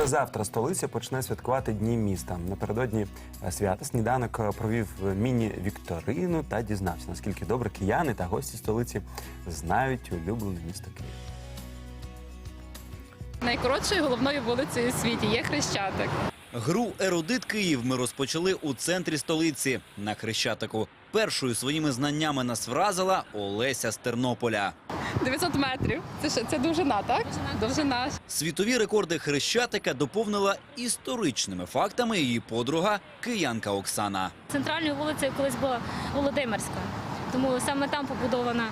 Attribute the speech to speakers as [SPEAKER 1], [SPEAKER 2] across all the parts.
[SPEAKER 1] Вже завтра столиця почне святкувати Дні міста. Напередодні свята сніданок провів міні-вікторину та дізнався, наскільки добре кияни та гості столиці знають улюблене місто Київ.
[SPEAKER 2] Найкоротшою головною вулицею у світі є Хрещатик.
[SPEAKER 3] Гру «Ерудит Київ» ми розпочали у центрі столиці, на Хрещатику. Першою своїми знаннями нас вразила Олеся з Тернополя.
[SPEAKER 2] 900 метрів. Це довжина, так? Довжина.
[SPEAKER 3] Світові рекорди Хрещатика доповнила історичними фактами її подруга, киянка Оксана.
[SPEAKER 4] Центральною вулицею колись була Володимирська, тому саме там побудована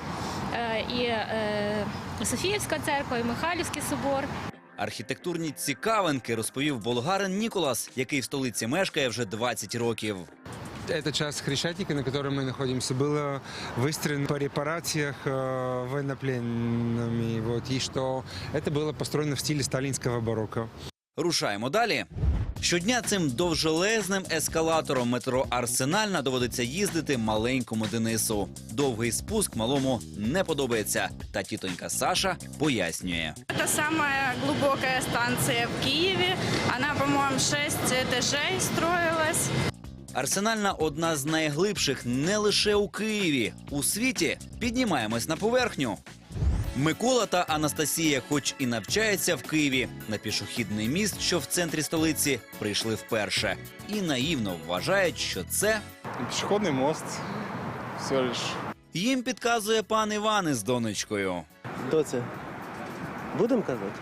[SPEAKER 4] і Софіївська церква, і Михайлівський собор.
[SPEAKER 3] Архітектурні цікавинки розповів болгарин Ніколас, який в столиці мешкає вже 20 років.
[SPEAKER 5] Эта часть Хрещатика, на которой мы находимся, была выстроена по репарациях военнопленными. И что это было построено в стиле сталинского барокко.
[SPEAKER 3] Рушаємо далі. Щодня цим довжелезним ескалатором метро «Арсенальна» доводиться їздити маленькому Денису. Довгий спуск малому не подобається. Та тітонька Саша пояснює.
[SPEAKER 6] Это самая глубокая станция в Киеве. Она, по-моему, 6 этажей строилась.
[SPEAKER 3] «Арсенальна» – одна з найглибших не лише у Києві. У світі піднімаємось на поверхню. Микола та Анастасія, хоч і навчаються в Києві, на пішохідний міст, що в центрі столиці, прийшли вперше. І наївно вважають, що це...
[SPEAKER 7] Пешеходный мост, всего лишь.
[SPEAKER 3] Їм підказує пан Іван із донечкою.
[SPEAKER 8] Доця, будемо казати?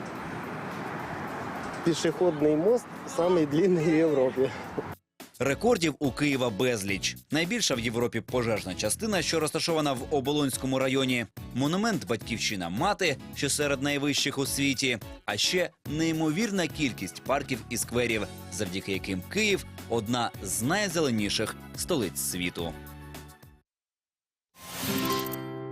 [SPEAKER 8] Пішохідний мост самий длинний в Європі.
[SPEAKER 3] Рекордів у Києва безліч. Найбільша в Європі пожежна частина, що розташована в Оболонському районі. Монумент «Батьківщина мати», що серед найвищих у світі. А ще неймовірна кількість парків і скверів, завдяки яким Київ – одна з найзеленіших столиць світу.